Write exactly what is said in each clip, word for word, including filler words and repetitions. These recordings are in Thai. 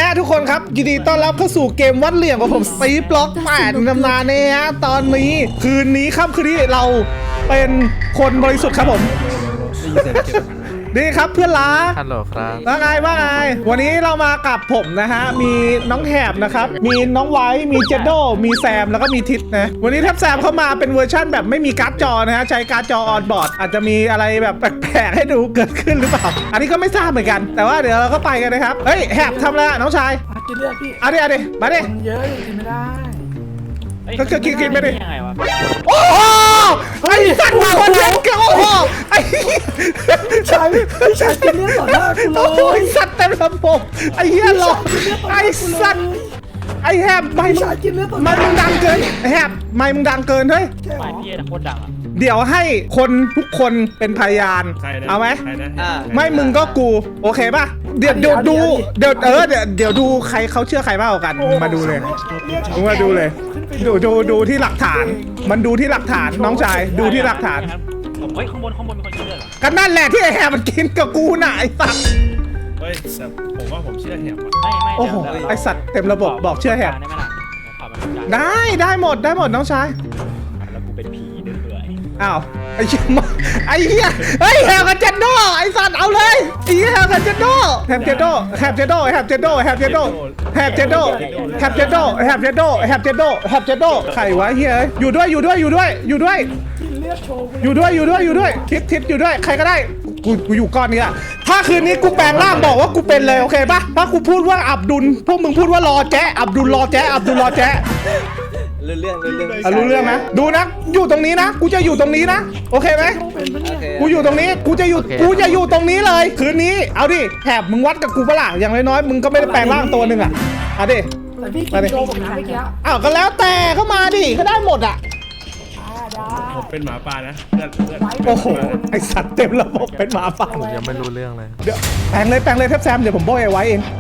ทุกคนครับยินดีต้อนรับเข้าสู่เกมวัดเหลี่ยมของผมซีบล็อกแปดตำนานเนี่ยฮะตอนนี้คืนนี้ค่ำคืนนี้เราเป็นคนบริสุทธิ์ครับผมดีครับเพื่อนรักฮัลโหลครับว่าไงว่าไงวันนี้เรามากับผมนะฮะมีน้องแถบนะครับมีน้องไว้มีเจโดมีแซมแล้วก็มีทิศนะวันนี้แทบแซมเข้ามาเป็นเวอร์ชั่นแบบไม่มีการ์ดจอนะฮะใช้การ์ดจอออนบอร์ดอาจจะมีอะไรแบบแปลกๆให้ดูเกิดขึ้นหรือเปล่าอันนี้ก็ไม่ทราบเหมือนกันแต่ว่าเดี๋ยวเราก็ไปกันนะครับเฮ้ยแถบทำอะไรอะน้องชายกินเลือดพี่เอาดิเอาดิมาดิมันเยอะอยู่กินไม่ได้ก็คือกินกินไปดิยังไงวะโอ้โหไอ้สัตว์มาคนเล่นกันโอ้โหไอ้ใช่พี่ชายกินเลือดต่อหน้ากูเลโอ้ยยสัตว์เต็มระบบไอ้เหี้ยหลอกไอ้สัตว์ไอ้แฮบไม่พี่มึงชายกินเลือดต่อหไม่น้ามึงดังเกินไอ้แฮบไม่มึงดังเกินเฮ้ยใช่เหรฝ่าอยพี่โคตรดังอ่ะเดี๋ยวให้คนทุกคนเป็นพยานเอาไหมไม่มึงก็กูโอเคป่ะเดี๋ยวเดี๋ยวดูเดี๋ยวเออเดี๋ยวเดี๋ยวดูใครเขาเชื่อใครมากกว่ากันมึงมาดูเลยมึงมาดูเลยดูดูดูที่หลักฐาน มันดูที่หลักฐานน้องชายดูที่หลักฐานผมเฮ้ยข้างบนข้างบนมีคนกินเลือดเหรอก็นั่นแหละที่ไอ้แฮบมันกินกับกูน่ะไอ้สัตว์เฮ้ยแต่ผมว่าผมเชื่อแหบว่ะไม่ไม่โอ้โหไอ้สัตว์เต็มระบบบอกเชื่อแฮบได้ไหมล่ะขอมันจานได้ได้หมดได้หมดน้องชายแล้วกูเป็นผีเดือยอ้าวไอ้เหี้ยมาไอ้เหี้ยเฮ้ยแฮบกับเจนโดไอ้สัตว์เอาเลยไอ้เหี้ยแฮบกับเจนโดแฮบเจนโดแฮบเจนโดแฮบเจนโดแฮบเจนโดแฮบเจนโดแฮบเจนโดแฮบเจนโดแฮบเจนโดแฮบเจนโดใครวะเฮียอยู่ด้วยอยู่ด้วยอยู่ด้วยอยู่ด้วยกินเลือดโชว์กูอยู่ด้วยอยู่ด้วยอยู่ด้วยทิศทิศอยู่ด้วยใครก็ได้กูกูอยู่ก้อนนี้อะถ้าคืนนี้กูแปลงร่างบอกว่ากูเป็นเลยโอเคปะถ้ากูพูดว่าอับดุลพวกมึงพูดว่ารอแจ๊อับดุลรอแจ๊อับดุลรอแจ๊รู้เรื่องรู้เรื่องอ่ะรู้เรื่องนะดูนะอยู่ตรงนี้นะกูจะอยู่ตรงนี้นะโอเคไหมต้องเป็นปะเนี่ยกูอยู่ตรงนี้กูจะอยู่กูจะอยู่ตรงนี้เลยคืนนี้เอาดิแถบมึงวัดกับกูปะล่ะอย่างน้อยๆมึงก็ไม่ได้แปลงร่างตัวหนึ่งอะเอาดิแต่พี่กินโชว์ผมนะเมื่อกี้อ้าวก็แล้วแต่เข้ามาดิก็ได้หมดอะอ่าได้ผมเป็นหมาป่านะเพื่อนเพื่อนโอ้โหไอสัตว์เต็มระบบเป็นหมาป่าผมยังไม่รู้เรื่องเลยเดี๋ยวแปลงเลยแปลงเลยแทบแซมเดี๋ยวผมโบยไว้เอง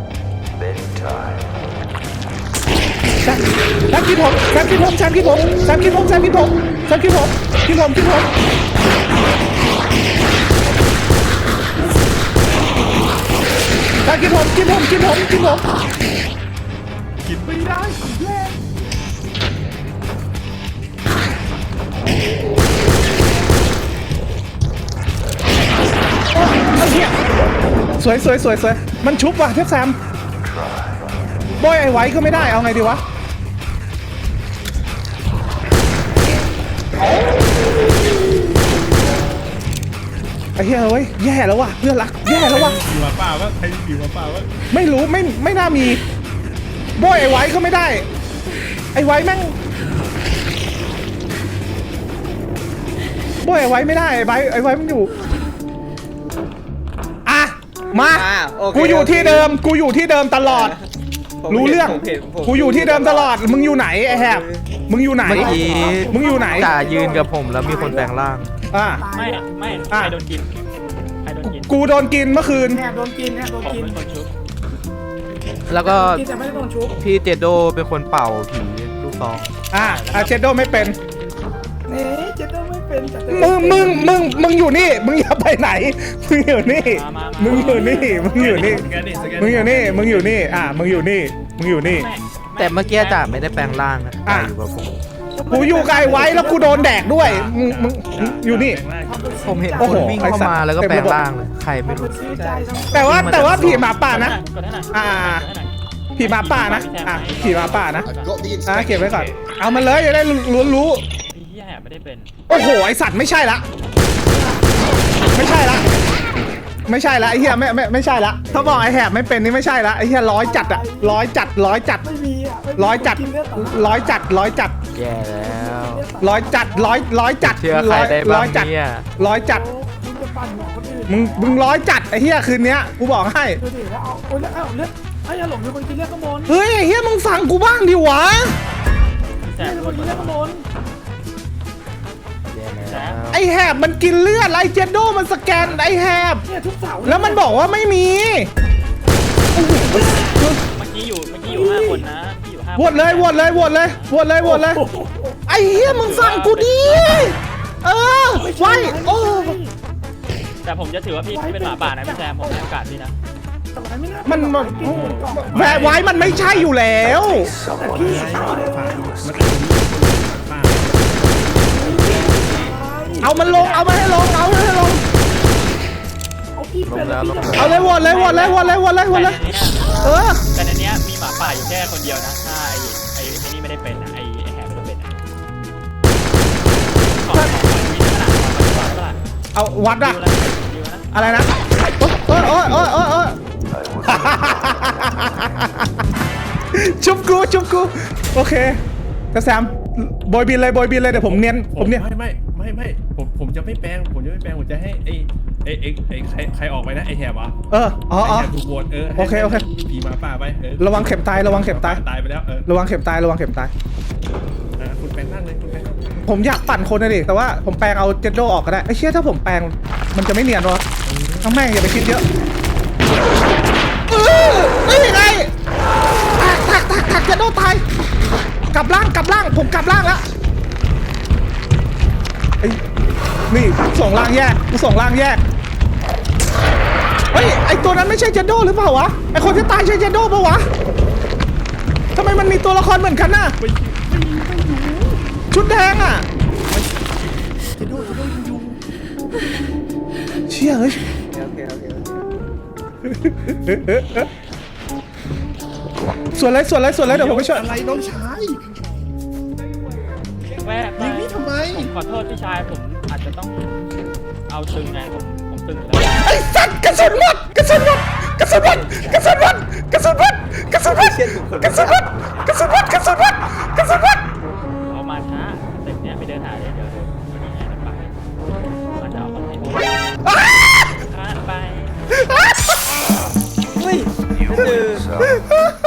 แซมแซมคิดผมแซมคิดผมแซมคิดผมแซมคิดผมแซมคิดผมแซมคิดผมคิดผมคิดผมแซมคิดผมคิดผมคิดผมคิดผมคิดไม่ได้แย่ไอ้เหี้ยสวยสวยสวยสวยมันชุบว่ะเทพแซมโบยไอ้ไว้ก็ไม่ได้เอาไงดีวะไอ้เหี้ยเว้ยแย่แล้วว่ะเพื่อนรักแย่แล้วว่ะผีหมาป่าวะใครผีหมาป่าวะไม่รู้ไม่ไม่น่ามีโบยไอ้ไว้ก็ไม่ได้ไอ้ไว้แม่งโบยไอ้ไว้ไม่ได้ไอ้ไว้ไอ้ไว้มันอยู่อ่ะมาอ่าโอเคกูอยู่ที่เดิมกูอยู่ที่เดิมตลอดผมรู้เรื่องผมห็นผมกูอยู่ที่เดิมตลอดมึงอยู่ไหนไอ้แฮบมึงอยู่ไหนเมื่อกี้มึงอยู่ไหนจ่ายืนกับผมแล้วมีคนแปลงร่างอ่ะไม่อะไม่ใครโดนกินใครโดนกินกูโดนกินเมื่อคืนแอบโดนกินแอบโดนผมกินเป็นคนชุบแล้วก็กินแต่ไม่ได้โดนชุบพี่เจโดเป็นคนเป่าผีลูกซองอ่ะอาเชโดไม่เป็นเอ๊ะเจะต้องไม่เป็นแต่เต้มึงมึงมึงมึงอยู่นี่มึงอย่าไปไหนมึงอยู่นี่มึงอยู่นี่มึงอยู่นี่สแกนดิสแกนมึงอยู่นี่มึงอยู่นี่อ่ะมึงอยู่นี่มึงอยู่นี่ไม่แต่เมื่อกี้จ่าไม่ได้แปลงร่างนะจ่าอยู่กับผมกูอยู่ไกลไว้แล้วกูโดนแดกด้วยมึงมึงมึงอยู่นี่ผมเห็นโอ้คโหนวิ่งเข้ามาแล้วก็แปลงร่างเลยใครไม่มันรู้ซื้อใจทั้งแต่ว่าแต่ว่าผีหมาป่านะกดให้หน่อยอ่ากดให้หน่อยผีหมาป่านะอ่ะผีหมาป่านะก็ดีอ่ะเก็บไว้ก่อนเอามันเลยจะได้รู้รู้พี่แย่ไม่ได้เป็นโอ้โหไอสัตว์ไม่ใช่ละไม่ใช่ละไม่ใช่ละไอเหี้ยไม่ไม่ไม่ใช่ละถ้าบอกไอแหบไม่เป็นนี่ไม่ใช่ละไอเหี้ยร้อยจัดอะร้อยจัดร้อยจัดไม่มีอ่ะไม่มีร้อยจัดกินเลือดต่อหน้าร้อยจัดร้อยจัดแย่แล้วร้อยจัดร้อยร้อยจัดเชื่อใครได้ร้บ้าอง ยจัดเนี่ยร้อยจัดโอ้มึงจะปั่นหัวคนอื่นมึงมึงร้อยจัดไอเหี้ยคืนเนี้ยกูบอกให้ดูดิแล้วเอาโอ้ยแล้วเอาเลือดไอ้ยาหลงมีคนกินเลือดข้างบนเฮ้ยไอเหี้ยมึงฟังกูบ้างดิวะพี่แซเนี่ยมมีคนกินเลือดข้างบนแย่แล้วไอแหบมันกินเลือดไอเจนโดมันสแกนไอแหบเนี่ยทุกเสาร์แล้วมันบอกว่าไม่มีเมื่อกี้อยู่เมื่อกี้อยู่ห้าคนนะเมื่อกี้อยู่ห้าโหวตเลยโหวตเลยโหวตเลยโหวตเลยโหวตเลยโอ้โหไอ้เหี้ยมึงฟังกูดิเออไว้โอ้แต่ผมจะถือว่าพี่เป็นหมาป่านะพี่แซมผมให้โอกาสพี่นะแต่ไว้ไม่น่ามันเป็มันเก่งเหมือนก่อนแวร์ไว้มันไม่ใช่อยู่แล้วแต่พี่ใช่เลยฝ่ามันอาจจะมีฝ่าเอามันลงเอามันให้ลงเอามันให้ลงเอาพี่เป็นแล้วพี่เอาเลยวนเลยวนเลยวนเลยวนเลยวนเลยเออแต่ในเนี้ยมีหมาป่าอยู่แค่คนเดียวนะถ้าไอ้ไอ้ไอ้นี่ไม่ได้เป็นนะไอ้ไอ้แหบไม่ได้เป็นนะขอขอขอวิจารณ์ขอขอขอเอาวัดอะดูแล้วดูแล้วนะอะไรนะโอ๊ยโอ๊ยโอ๊ยโอ๊ยโอ๊ยชุบกูชุบกูโอเคกระแซมบอยบินเลยบอยบินเลยเดี๋ยวผมเนียนผมเนียนไม่ไม่ไม่ไม่ผมผมจะไม่แปลงผมจะไม่แปลงผมจะให้ไอ้ไอ้ไอ้ไอ้ใครใครออกไปนะไอ้แหบอ่ะเอออ๋อไอ้อ๋อแหบถูกโหวตเออโอเคโอเคผีหมาป่าไปเออระวังเข็มตายระวังเข็มตายตายไปแล้วเออระวังเข็มตายระวังเข็มตายอ่ะคุณแปลงนั่งเลยคุณแปลงนั่งผมอยากปั่นคนนะดิแต่ว่าผมแปลงเอาเจดโดออกก็ได้ไอ้เชี่ยถ้าผมแปลงมันจะไม่เนียนวะทั้งแม่งอย่าไปคิดเยอะเออนี่ไงถักถักถักถักเจดโดตายกลับล่างกลับล่างผมกลับล่างแล้วไอ้นี่ส่งล่างแยกกูส่งล่างแยกเฮ้ยไอตัวนั้นไม่ใช่เจดโดหรือเปล่าวะไอคนที่ตายใช่เจดโดปะวะทำไมมันมีตัวละครเหมือนกันน่ะชุดแดงอ่ะเชี่ยเฮ้ยโอเคโอเคโอเคส่วนไรส่วนไรส่วนไรเดี๋ยวผมไปช่วยอะไรน้องชายแวะไปยิงนี่ทำไมผมขอโทษพี่ชายผมอาจจะต้องเอาตึงไงผมผมตึงแล้วไอ้สัตว์กระสุนหมดกระสุนหมดกระสุนหมดกระสุนหมดกระสุนหมดกระสุนหมดกระสุนหมดกระสุนหมดกระสุนหมดกระสุนหมดเอามาช้าเต็มเนี้ยไปเดินหาเลยเดี๋ยวเดี๋ยววันนี้ไงไปมันจะเอาคนให้ดูข้ามไปเฮ้ยเจอ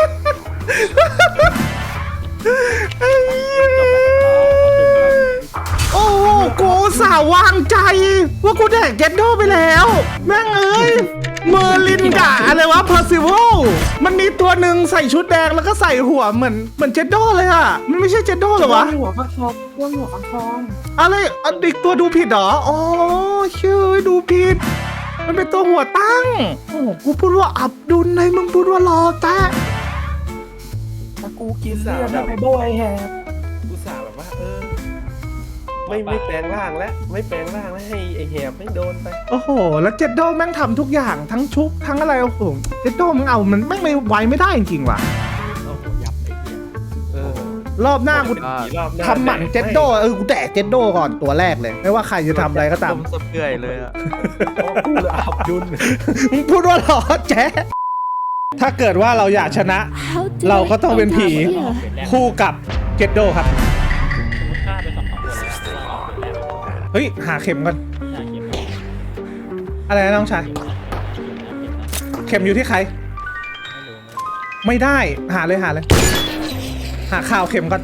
โอ้โหกูอุตสาห์วางใจว่ากูแดกเจดโดไปแล้วแม่งเอ้ยเมอร์ลินกะอะไรวะเพอร์ซิวลมันมีตัวหนึ่งใส่ชุดแดงแล้วก็ใส่หัวเหมือนเหมือนเจดโดเลยอ่ะมันไม่ใช่เจดโดเหรอวะหัวฟักทองเรื่องหัวฟักทองอะไรอันอีกตัวดูผิดเหรออ๋อเชื่อดูผิดมันเป็นตัวหัวตั้งโอ้โหกูพูดว่าอับดุลในมึงพูดว่ารอแตะถ้ากูกินเลือดแล้วไปโบยแฮะอุตส่าห์แบบว่าเออไม่ไม่แปลงร่างแล้วไม่แปลงร่างแล้วให้ไอ้แหบไม่โดนไปโอ้โหแล้วเจดโดแม่งทำทุกอย่างทั้งชุบทั้งอะไรโอ้โหเจดโดมึงเอามันแม่งไม่ไวไม่ได้จริงๆว่ะโอ้โหยับไอ้เหี้ยเออรอบหน้ากูกี่รอบหน้าทำหมันเจดโดเออกูแดกเจดโดก่อนตัวแรกเลย ไม่ว่าใครจะทำอะไรก็ตามผมสะเปื่อยเลยอะโอ้พูดเลยอับดุลมึงพูดว่าหรอแจ๊ะถ้าเกิดว่าเราอยากชนะ เราก็ต้องเป็นผีคู่กับเจดโดครับสมมติฆ่าไปสองสองคนแล้วเราออกเป็นแรกเฮ้ยหาเข็มก่อนใช่เก็บอะไรนะน้องชายเข็มอยู่ที่ใครไม่รู้ไม่รู้ไม่ได้หาเลยหาเลย หาข่าวเข็มก่อน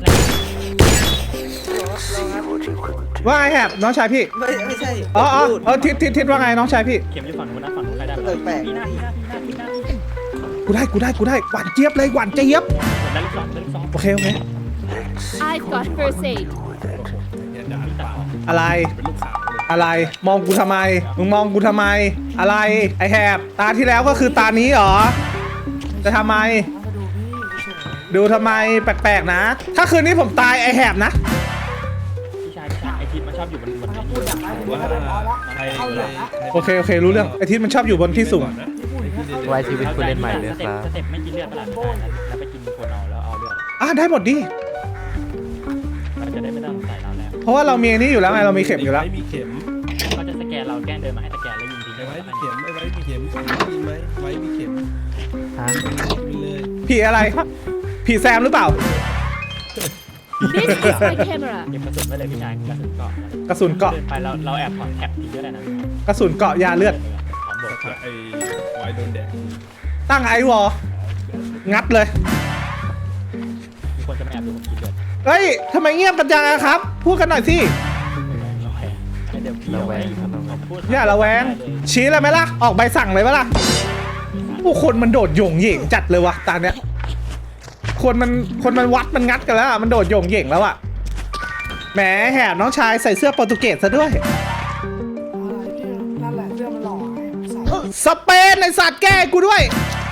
ว่าไงแฮบน้องชายพี่ไม่ไม่ใช่อ๋ออ๋อพูดเออทิศทิศทิศว่าไงน้องชายพี่เข็มอยู่ฝั่งนู้นนะฝั่งนู้นใครได้เออแปลกพี่หน้าพี่หน้าพี่หน้าพี่หน้าพี่กูได้กูได้กูได้หวานเจี๊ยบเลยหวานเจี๊ยบได้ลูกสองได้ลูกสองโอเคโอเค I've got first aid. เนี่ยด่าปากอะไรเป็นลูกสาวเลยอะไรมองกูทำไมมึงมองกูทำไม อะไรไอแฮบตาที่แล้วก็คือตานี้เหรอจะทำไม ดูทำไมแปลกๆนะ ถ้าคืนนี้ผมตายไอแฮบนะพี่ชายพี่ชายไอทิศมันชอบอยู่บนบนพูดอย่างไรพูดว่าอะไรพอแล้วใครเข้าเหลืองแล้วโอเคโอเครู้เรื่องไอทิศมันชอบอยู่บนที่สูงนะไว้ชีวิตคุณเล่นใหม่เลยสคเต็ปรับสเต็ปไม่กินเลือดเปล่าแล้วไปกินคนเอาแล้วเอาเลือดอ่ะได้หมดดิเราจะได้ไม่ต้องใส่เราแล้วเพราะว่าเรามีอันนี้อยู่แล้วไงเรามีเข็มอยู่แล้วไว้มีเข็มเขาจะสแกนเราแกล้งเดินมาให้สแกนแล้วยิงทิ้งไอ้ไว้มีเข็มไอ้ไว้มีเข็มมีไหมไว้มีเข็มฮะมีเลยผีอะไรผีแซมหรือเปล่า This is my camera. เก็บกระสุนไว้เลยพี่ชายกระสุนเกาะกระสุนเกาะเดินไปเราเราแอบถอดแท็บทิ้งก็ได้นะกระสุนเกาะยาเลือดของบทถ้าไอ้ไว้โดนแดดตั้งไอวอลงัดเลยมีคนจะมาแอบดูผมกินเลือดเฮ้ยทำไมเงียบกันจังอะครับ พูดกันหน่อยสิเดี๋ยวพี่ระเอาแวไว้งครับระแวงพูดอย่าระแวงชี้เลยไหมล่ะ ออกใบสั่งเลยไหมล่ะผู้คนมันโดดโยงเหย่งจัดเลยวะตาเนี้ยคนมันคนมันวัดมันงัดกันแล้วอะมันโดดโยงเหย่งแล้วอะแหมแหบน้องชายใส่เสื้อโปรตุเกสซะด้วยอะไรเนี่ยนั่นแหละเรื่องมันหล่อใส่สเปนไอสัตว์แก้กูด้วยเ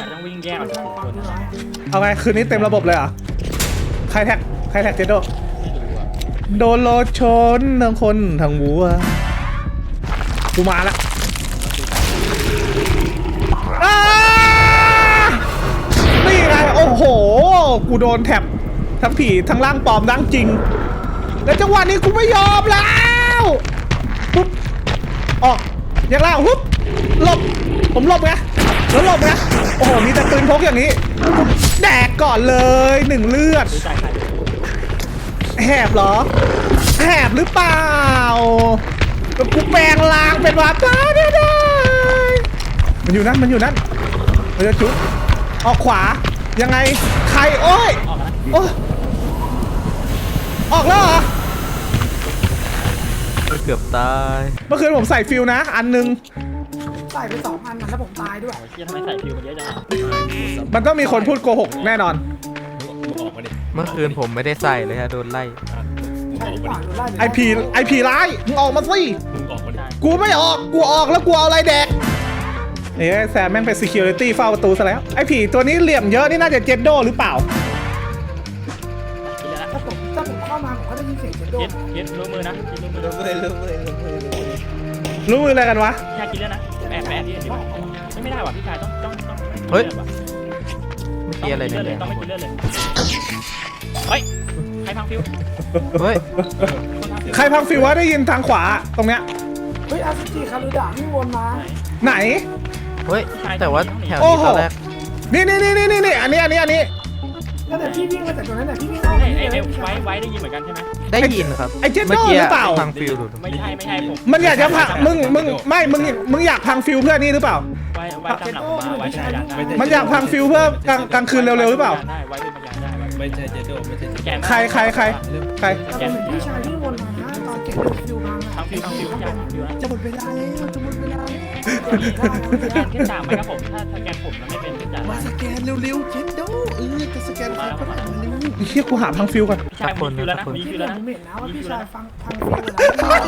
ต้องวิ่งแยกออกจากกลุ่มคนนะเอาไงคืนนี้เต็มระบบเลยเหรอใครแท็กใครแท็กเจโดโดนรถชนทั้งคนทั้งวัวกูมาละอ้านี่ไงโอ้โหกูโดนแท็บทั้งผีทั้งร่างปลอมร่างจริงแล้วจังหวะนี้กูไม่ยอมแล้วปุ๊บออกอย่างล่างปุ๊บหลบผมหลบไงแล้วหลบไงโอ้โหมีแต่ปืนพกอย่างนี้แดกก่อนเลยหนึ่งเลือดดูใจใครแหบเหรอแหบหรือเปล่าแล้วกูแปลงลางเป็นวาตาได้ได้มันอยู่นั่นมันอยู่นั่นมันจะจุ๊บออกขวายังไงใครโอ้ยออกมาโอ้ยออกแล้วเหรอเกือบตายเมื่อคืนผมใส่ฟิลนะ อันนึงใส่ไปสองอันนะแล้วผมตายด้วยโอ้ยเชี่ยทำไมใส่ฟิวมันเยอะจังอะมันต้องมีคนพูดโกหกแน่นอนมึงออกมาดิเมื่อคืนผมไม่ได้ใส่เลยฮะโดนไล่อ่ะมึงใช่ออกหรือมาเปล่าดิหรือไล่ไอพีไอพีร้ายมึงออกมาสิมึงออกมาดิกูไม่ออกกูออกแล้วกูเอาอะไรแดกนี่แซมแม่งเป็น security เฝ้าประตูซะแล้วไอผีตัวนี้เหลี่ยมเยอะนี่น่าจะเจนโดหรือเปล่ากินแล้วนะถ้าผมถ้าผมเข้ามาผมก็ได้ยินเสียงเจนโดเย็ดเย็ดรู้มือนะกินรู้มือรู้เลยรู้เลยรู้เลยรู้เลยรู้มืออะไรกันวะพี่ชายกินแล้วนะแอบแอบพี่เห็นป่ะไม่ไม่ได้ว่ะพี่ชายต้องต้องต้องเฮ้ยต้องเมื่อกี้อะไรกินเนี่เลือดเลยยต้องไม่กินเลือดเลยเฮ้ยใครพังฟิวเฮ้ยคนพังฟิวใครพังฟิววะได้ยินทางขวาตรงเนี้ยเฮ้ยอาซูจิคารุดะนี่วนมาไหนเฮ้ยแต่ว่าแถวโอ้นี้โหตอนแรกนี่นี่นี่นี่นี่อันนี้อันนี้อันนี้แล้วแต่พี่วิ่งมาจากตรงนั้นแต่พี่วิ่งเอาไอ้พี่ไอ้เลยไว้ไว้ได้ยินเหมือนกันใช่ไหมได้ยินครับไอ้เจนโดเมื่อกี้หรือเปล่าฟังฟิลดูไม่ใช่ไม่ใช่ผมมันอยากจะพังมึงมึงไม่มึงมึงอยากพังฟิวเพื่อนี่หรือเปล่าไว้ไว้ตามหลังผมมาไว้เป็นพยานได้มันอยากพังฟิวเพื่อกลางกลางคืนเร็วๆหรือเปล่าได้ไว้เป็นพยานได้ไว้ไม่ใช่เจโดไม่ใช่เจโดแกนใครใครใครใครแต่ผมเห็นพี่ชายที่วนมานะตอนเก็บฟิวมาพังฟิวพังฟิวพี่ชายพังฟิวนะจะหมดเวลาแล้วจะหมดเวลาแล้วแกนขึ้นตามไหมครับผมถ้าถ้าแกนผมแล้วไม่เป็นพี่ชายมาสแกนเร็วๆเจนโดเออจะสแกนใครก็ได้มาเร็วไอ้เฮียกูหาพังฟิวก่อนพี่ชายมีฟิวแล้วนะมีพี่ฟิวเห็แล้วนนะผมเห็นนะว่าพี่ชายฟังฟังฟิวแล้ว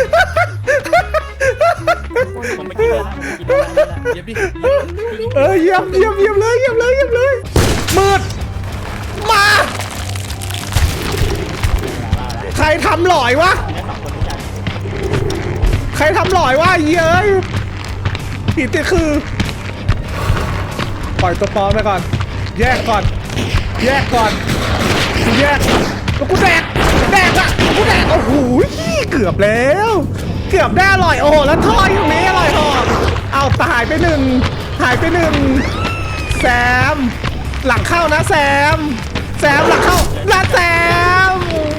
ผมไม่กินเลยนะผมไม่กินเลยนะเย็บดิเออเยี่ยมเยี่ยมเยี่ยมเลยเยี่ยมเลยเยี่ยมเลยมืดมาใครทำหลอยวะกินได้สองคนพี่ชายใครทำหลอยวะเย้ยผีติดคือ ปล่อยตัวปลอมไปก่อน แยกก่อน แยกก่อนกูแยกแล้วกูแดกแดกอะกูแดกโอ้โหเกือบแล้ว เกือบได้อร่อยโอ้โหแล้วทอดอยู่นี้อร่อยหอกเอาแต่หายไปหนึ่งหายไปหนึ่งแซม หลังเข้านะแซม แซมหลังเข้านะแซม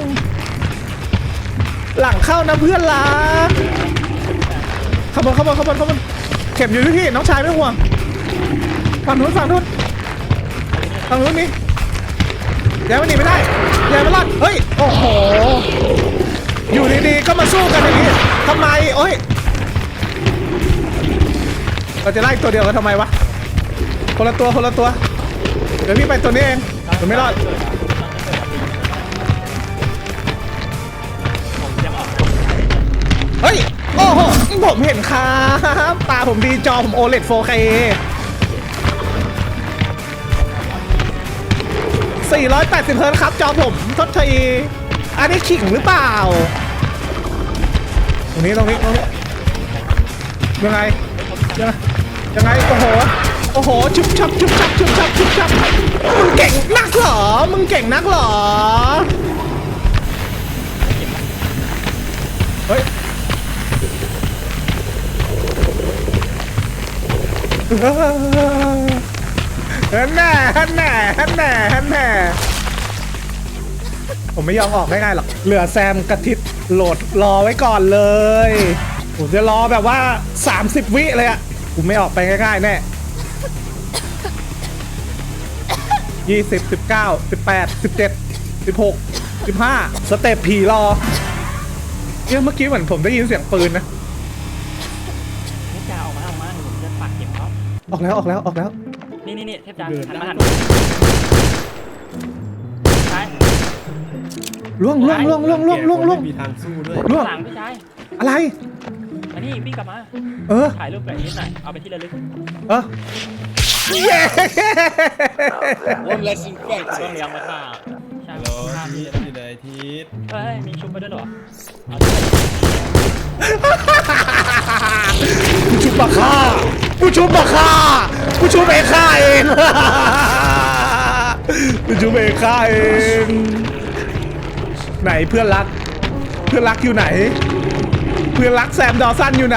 หลังเข้านะเพื่อนรักขบวนขบวนขบวนขบวนเข็มอยู่ที่พี่น้องชายไม่ต้องห่วงฝั่งนู้นฝั่งนู้นฝั่งนู้นมียังไม่หนีไม่ได้ยังไม่รอดเฮ้ยโอ้โหอยู่ดีๆก็มาสู้กันอย่างนี้ทำไมโอ้ยเราจะไล่ตัวเดียวกันทำไมวะคนละตัวคนละตัวเดี๋ยวพี่ไปตัวนี้เองผมไม่รอดผมจะออกเฮ้ย โอ้โห ผมเห็นครับตาผมดีจอผม โอ แอล อี ดี โฟร์เค สี่ร้อยแปดสิบ เฮิร์ตซ์ครับจอผมทดทีอันนี้ขิงหรือเปล่า ตรงนี้ตรงนี้ตรงนี้ยังไง ยังไง ยังไง โอ้โห โอ้โห ชุบชับชุบชับชุบชับชุบชับมึงเก่งนักเหรอ มึงเก่งนักเหรอ เฮ้ย ฮันแน่ฮันแน่ฮันแน่ฮันแน่ผมไม่ยอมออกง่ายๆหรอก เหลือแซมกระทิดโหลดรอไว้ก่อนเลย ผมจะรอแบบว่า สามสิบ วิเลยอะผมไม่ออกไปง่ายๆแน่ยี่สิบ สิบเก้า สิบแปด สิบเจ็ด สิบหก สิบห้า สเต็ปผีรอเนี่ยเมื่อกี้เหมือนผมได้ยินเสียงปืนนะนี่จ่าออกมาออกมาผมจะปักเข็มเขาออกแล้วออกแล้วออกแล้วนี่นี่นี่เทพจ่าหันมาหันใช่ล่วงล่วงล่วงล่วงล่วงล่วงล่วงไม่มีทางสู้ด้วยล่วงหลังพี่ชายอะไรอันนี้วิ่งกลับมาเออถ่ายรูปแบบนี้หน่อยเอาไปที่ระลึกเออเย้ต้องเลี้ยงมาฆ่าใช่ฮัลโหลฆ่าทีพี่ทอยู่ไหนทีทเฮ้ยมีชุบไปด้วยเหรอกูชุบมาฆ่ากูชุบมาฆ่ากูชุบเองฆ่าเองกูชุบเองฆ่าเองไหนเพื่อนรักเพื่อนรักอยู่ไหน เพื่อนรักแซมดอสันอยู่ไหน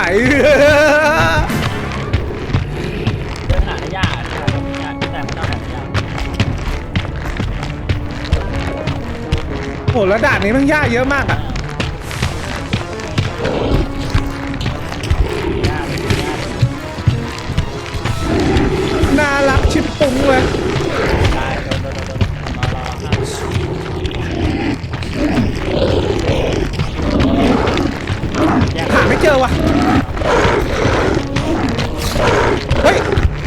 เดินหาได้ยากยากแต่มันต้องหาได้ยากโอ้แล้วด่านนี้มันยากเยอะมากอ่ะน่ารักชิบปุ้งเลยได้โดนโดนโดนโดนรอรอครับหาไม่เจอว่ะเฮ้ย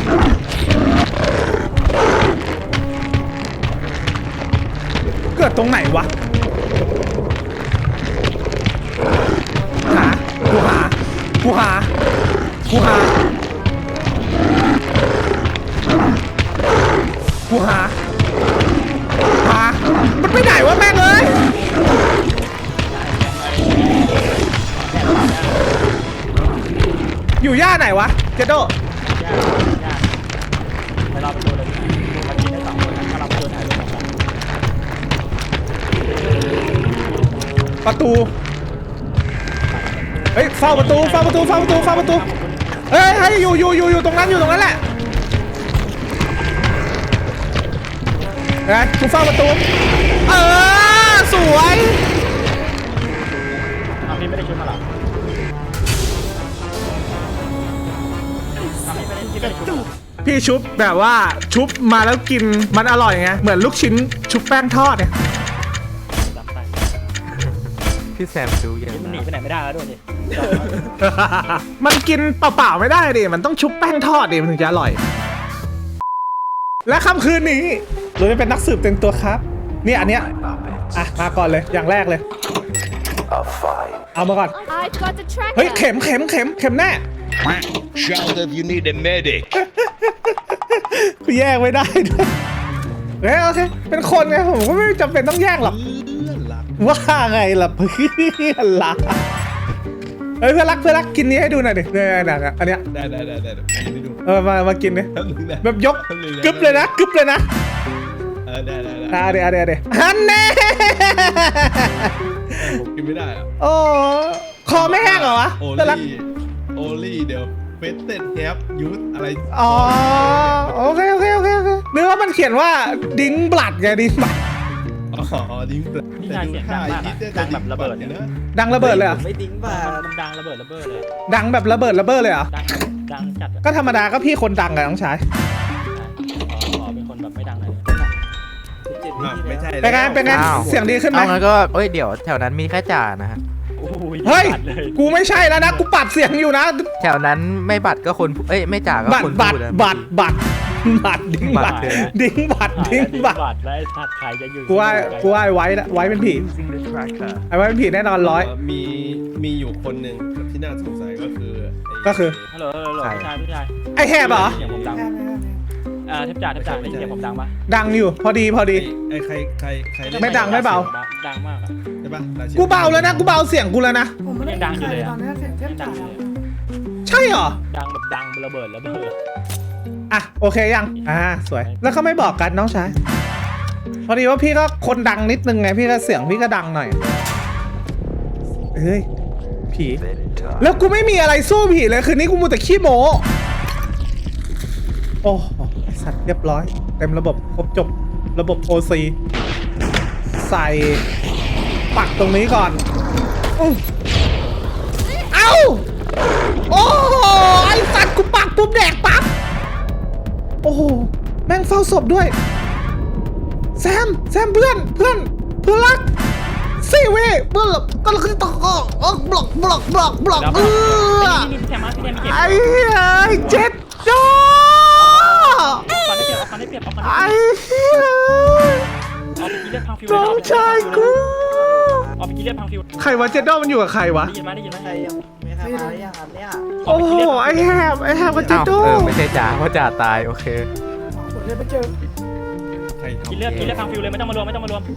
เกิดตรงไหนวะหากูหากูหากูหากูหาหามันไปไหนวะแม่งเอ้ยอยู่ย่าไหนวะเจโดยากยากไปรอไปดูเลยมันกินได้สองคนถ้าเราไปดูถ่ายรูปกันประตูเฮ้ยเฝ้าประตูเฝ้าประตูเฝ้าประตูเฝ้าประตูเฮ้ยเฮ้ยอยู่อยู่อยู่อยู่ตรงนั้นอยู่ตรงนั้นแหละนะกูเฝ้าประตูเออสวยเอาพี่ไม่ได้ชุบมาหรอเอาพี่ไม่ได้พี่ไม่ได้ชุบพี่ชุบแบบว่าชุบมาแล้วกินมันอร่อยไงเหมือนลูกชิ้นชุบแป้งทอดเนี่ยดับไปพี่แซมดูยังมันหนีไปไหนไม่ได้แล้วด้วยดิมันกินเปล่าๆไม่ได้ดิมันต้องชุบแป้งทอดดิมันถึงจะอร่อย และค่ำคืนนี้เราจะเป็นนักสืบเต็มตัวครับเนี่ยอันเนี้ยอ่ะมาก่อนเลยอย่างแรกเลยเอามาก่อน I've got the เฮ้ย tracker. เข็มเข็มเข็มเข็มแน่ Shout if you need a medic. กูแยกไม่ได้ด้วยเฮ้ยโอเคเป็นคนไงผมก็ไม่จำเป็นต้องแยกหรอกว่าไงล่ะเพื่อนรักเฮ้ยเพื่อนรักเพื่อนรักกินนี้ให้ดูหน่อยดิเนี่ยเนี่ยอันเนี้ยได้ได้ได้ได้เดี๋ยวผมไปดูเออมามากินดิแป๊บนึงนะแบบยกกึบเลยนะกึบเลยนะเออได้ได้ได้อ่ะเดี๋ยวเดี๋ยวเดี๋ยวฮันแน่ผมกินไม่ได้อะโอ้คอไม่แห้งเหรอวะโอเพื่อนรักลี่โอลี่เดี๋ยวเฟสเต็ดแฮปยูทอะไรอ๋อโอเคโอเคโอเคโอเคนึกว่ามันเขียนว่าดิ้งบลัดไงดิ้งบลัดอ๋อดิ้งพี่ชายเสียงดังมากอะดังแบบระเบิดเนี่ยนะดังระเบิดเลยเหรอไม่ดิ้งป่ะมันดังระเบิดระเบิดเลยดังแบบระเบิดระเบิดเลยเหรอดังดังจัดอะก็ธรรมดาก็พี่คนดังอะน้องชายขอเป็นคนแบบไม่ดังเลยอ่ะไม่ใช่เป็นไงเป็นไงอ้าวเสียงดีขึ้นไหมเอางั้นก็เอ้ยเดี๋ยวแถวนั้นมีแค่จ่านะฮะโอ้ยเฮ้ยจัดเลยกูไม่ใช่แล้วนะ กูปรับเสียงอยู่นะแถวนั้นไม่บัตรก็คนเอ้ยไม่จ่าก็บัตครนบัตพูรดนะบัตรบัตรบัตรดิ้งบัตรบัตรเลยนะดิ้งบัตรดิ้งบัตรบัตรและไอ้สัตว์ใครจะอยู่กูว่ากูว่าไอ้ไว้ละไว้เป็นผีไอ้ไว้เป็นผีแน่นอนร้อยเมีมีอยู่คนหนึ่งที่น่าสงสัยก็คือไก็คือฮัลโหลฮัลโหลพี่ชายพี่ชายไอ้แหบเหรอเสียงผมดังอ่าเทปจ่าเทปจ่าได้ยินเสียงผมดังปะดังอยู่พอดีพอดีไอ้ใครใครใครเล่นไม่ดังไม่เบาดังมากอะใช่ปะราชินีกูเบาแล้วนะกูเบาเสียงกูแล้วนะผมไม่ได้ยังดังอยู่เลยอะตอนนี้เทปยังดัจ่างอยู่เลยใช่เหรอดังแบบดังระเบิดระเบิดอ่ะโอเคยังอ่าสวยแล้วเขาไม่บอกกันน้องชายพอดีว่าพี่ก็คนดังนิดนึงไงพี่ก็เสียงพี่ก็ดังหน่อยเฮ้ยผีแล้วกูไม่มีอะไรสู้ผีเลยคืนนี้กูมูแต่ขี้โมโอ้ไอ้สัตว์เรียบร้อยเต็มระบบครบจบระบบ โอ ซี ใส่ปักตรงนี้ก่อนอื้อเอ้าโอ้ไอ้สัตว์กูปักปุ๊บแดกปั๊บโอ้โหแม่งเฝ้าศพด้วยแซมแซมเพื่อนเพื่อนเพื่อนรักสี่เว้ยเพื่อนหลบก็เลยต่ออบล็อกบล็อกบล็อกบล็อกเออนี่พี่แซมมาพี่แซมมีเก็บไอ้เฮ้ยเจ็ดจอเอาฟันได้เปรียบเอาฟันได้เปรียบเอาฟันได้ไอ้เปรียบเฮ้ยเอาไปกินเลือดพังฟิวน้องชายกูเอาไปกินเลือดพังฟิวใครวะเจดโดมันอยู่กับใครวะได้ยินไหมได้ยินไหมใครยังไม่ใครมาหรือยังครับเนี่ยโอ้โหไอแฮบไอแฮบกับเจอ้าวดโดเออไม่ใช่จ่าเพราะจ่าตายโอเคผมจะไปเจอใครกินทำเลือดกินเลือดพังฟิวเลยไม่ต้องมารวมไม่ต้องมารวม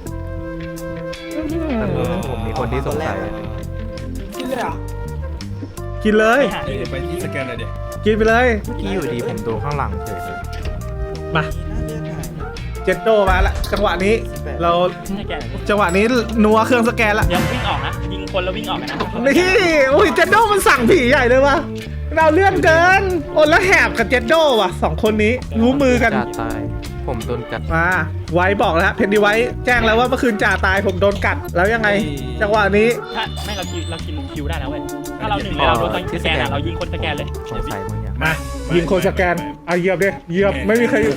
ผมมีคนที่สงสัยกินเลยเหรอกินเลยไปหาเอ้ยไปที่สแกนหน่อยดิกินไปเลยเมื่อกี้อยู่ดีผมโดนข้างหลังเฉยมาเลือดหายเจดโดมาละจังหวะนี้ เราให้แกจังหวะนี้นัวเครื่องสแกนละเดี๋ยววิ่งออกนะยิงคนแล้ววิ่งออกกันนะนี่อุ้ยเจดโดมันสั่งผีใหญ่เลยวะเราเลื่อนเกินโอ้แล้วแหบกับเจดโดว่ะสองคนนี้รู้มือกันจ่าตาย ผมโดนกัดมาไว้บอกแล้วฮะเพนดีไว้แจ้งแล้วว่าเมื่อคืนจ่าตายผมโดนกัดแล้วยังไง จังหวะนี้ถ้าไม่เรากินเรากินคิวได้แล้วเว้ยถ้าเราหนึ่งเลยเราโดนสแกนอ่ะเรายิงคนสแกนเลยสงสัยมึงเนี่ยมายิงโคนสแกนอ่ะเหยียบดิเหยียบไม่มีใครอยู่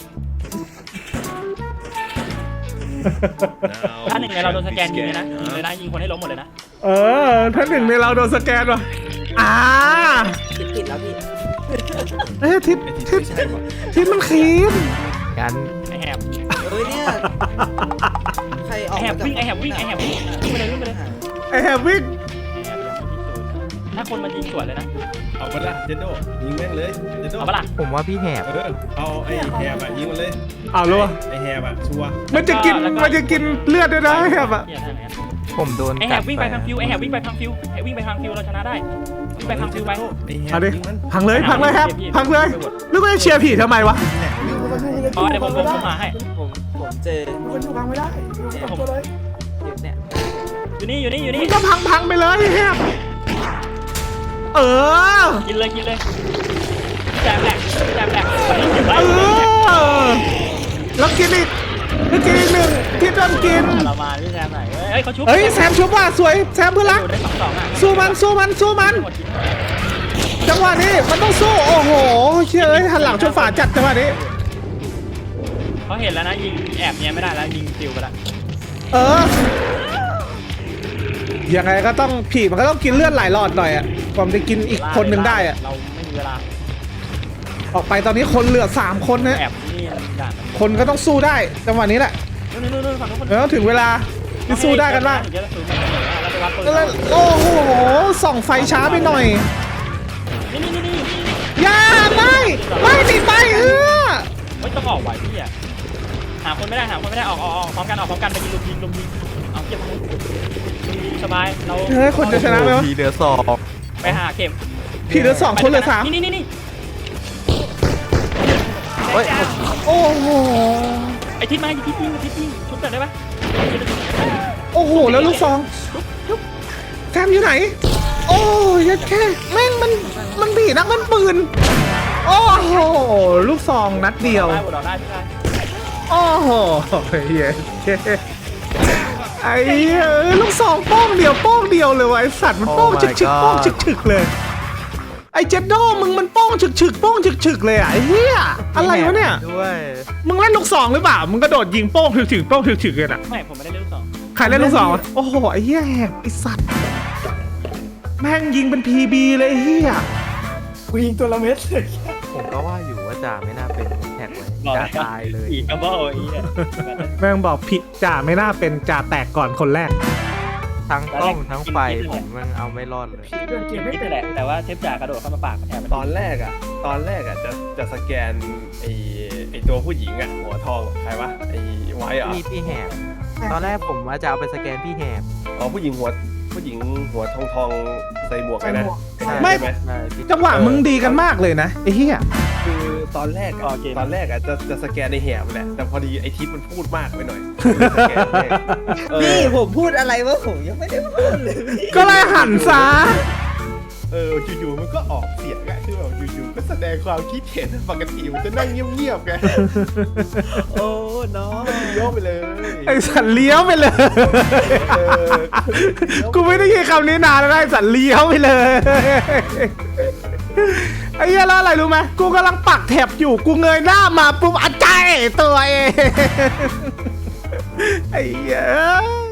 ถ้าหนึ่งเลยเราโดนสแกนยิงเลยนะยิงเลยนะยิงคนให้ล้มหมดเลยนะเออถ้าหนึ่งในเราโดนสแกนว่ะอ่าติดติดแล้วพี่เอ้ยทิศไอ้ที่ทิศไม่ใช่ปะทิศมันคีมงั้นไอแหบเอ้ยเนี่ยใครอไออกแหบมาจากวิ่งไอแหบวิ่งไอแหบวิ่งวิ่งไปเลยวิ่งไปเลยไอแฮบวิ่งถ้าคนมันยิงสวนเลยนะเอาไปละเจนโดยิงแม่งเลยเจนโดเอาปะล่ะผมว่าพี่แหบเออเอาไอ้แฮบอะยิงมันเลยเอาเลยไอ้แฮบอะชัวร์มันจะกินมันจะกินเลือดด้วยนะไอแฮบอ่ะผมโดนไอแหกัดบวิ่งไปพังฟิวไอแหบวิ่งไปพังฟิวไอวิ่งไปพังฟิวเราชนะได้วิ่งไปพังฟิวไปไอ้แฮเอาบดิยิงมันพังเลยพังเลยครับพังเลยแล้วก็จะเชียร์ผีทำไมวะอ๋อเดี๋ยวผมผมเข้ามาให้ผมผมเจอคนอยู่พังไม่ได้อยู่กับตัวเลยเนี่ยอยู่นี่อยู่นี่อยู่นี่มันก็พังพังไปเลยไอ้แฮบเออกินเลยกินเลยแจมแหลกแจมแหลกไปเก็บไว้เออแล้วกินอีกแล้วกินอีกหนึ่งที่โดนกินเรามาพี่แซมหน่อยเฮ้ยเขาชุบเฮ้ยแซมชุบว่ะสวยแซมเพื่อนรักได้สองสองอ่ะสู้มันสู้มันสู้มัน จังหวะนี้มันต้องสู้โอ้โหเชื่อเอ้ยหันหลังชนฝาจัดจังหวะนี้เขาเห็นแล้วนะยิงแอบเนี้ยไม่ได้แล้วยิงฟิวไปแล้วเออยังไงก็ต้องผีมันก็ต้องกินเลือดหลายหลอดหน่อยอะกว่ามันจะกินอีกคนหนึ่งได้อะเราไม่มีเวลาออกไปตอนนี้คนเหลือสามคนนะแอบนี่ด่านคนก็ต้องสู้ได้จังหวะนี้แหละนู่นนู่นนู่นฝั่งนู้นแล้วถึงเวลาที่สู้ได้กันบ้างเดี๋ยวเราสู้กันเราไปวัดปืนแล้วโอ้โหส่องไฟช้าไปหน่อยนี่นี่นี่นี่อย่าไม่ไม่ติดไปเออเฮ้ยต้องออกไหวพี่อ่ะหาคนไม่ได้หาคนไม่ได้ออกออกออกพร้อมกันออกพร้อมกันไปยิงลุมยิงลุมยิงเอาเก็บสบายเราเฮ้ยคนจะชนะไหมวะทีเดือสอบไปหาเข็มผีเหลือสองคนเหลือสามนี่นี่นี่นี่เฮ้ยโอ้โหไอทิศมาทิศยิงทิศยิงชุบกันได้ปะโอ้โหแล้วลูกซองแซมอยู่ไหน โอ้ยยัดแค่แม่งมันมันผีนักมันปืนโอ้โหลูกซองนัดเดียวได้บดอกได้พี่ได้โอ้โหเย้ไอ้เหี้ยเอ้ยลูกซองโป้งเดียวโป้งเดียวเลยวะไอสัตว์มันโป้งฉึกฉึกโป้งฉึกฉึกเลยไอ้เจดโดมึงมันโป้งฉึกฉึกโป้งฉึกฉึกเลยอ่ะไอ้เหี้ยอะไรวะเนี่ยด้วยมึงเล่นลูกซองหรือเปล่ามึงกระโดดยิงโป้งฉึกฉึกโป้งฉึกฉึกเลยน่ะไม่ผมไม่ได้เล่นลูกสองใครเล่นลูกซองวะโอ้โหไอ้เหี้ยแหบไอ้สัตว์แม่งยิงเป็นพีบีเลยไอ้เหี้ยกูยิงตัวละเม็ดเลยผมก็ว่าอยู่ว่าจ่าไม่น่าเป็นแท็กไว้จ่าตายเลยอีกกระบอกอีกแม่งบอกผิดจ่าไม่น่าเป็นจ่าแตกก่อนคนแรกทั้งกล้องทั้งไฟผมมันเอาไม่รอดเลยเดินเกมไม่ไม่เป็เป็น นแหละแต่ว่าเทปจ่ากระโดดเข้ามาปากแทนตอนแรกอะตอนแรกอะจะจะสแกนไอ้ไอ้ตัวผู้หญิงอะหัวทองใครวะไอ้ไว้เหรอพี่พี่แหบตอนแรกผมว่าจะเอาไปสแกนพี่แหบอ๋อผู้หญิงหัวผู้หญิงหัวทองทองใส่หมวกไงนะไม่ใช่ไหมใช่พี่จังหวะมึงดีกันมากเลยนะไอ้เหี้ยคือตอนแรกอะตอนแรกอะจะจะสแกนในแหบแหละแต่พอดีไอ้ทิศมันพูดมากไปหน่อยสแกนแม่งเออพี่ผมพูดอะไรวะผมยังไม่ได้พูดเลยพี่ก็เลยหันซะเอออยู่ๆมันก็ออกเสียงอะคือแบบอยู่ๆก็แสดงความคิดเห็นปกติมันจะนั่งเงียบๆไงโอ้น้องโยกไปเลยไอ้สัตว์เลี้ยวไปเลยเออกูไม่ได้ยินคำนี้นานแล้วนะไอ้สัตว์เลี้ยวไปเลย ไอ้เหี้ยแล้วอะไรรู้ไหมกูกำลังปักแถบอยู่กูเงยหน้ามาปุ๊บอัดใจตัวเอง ไอ้เหี้ย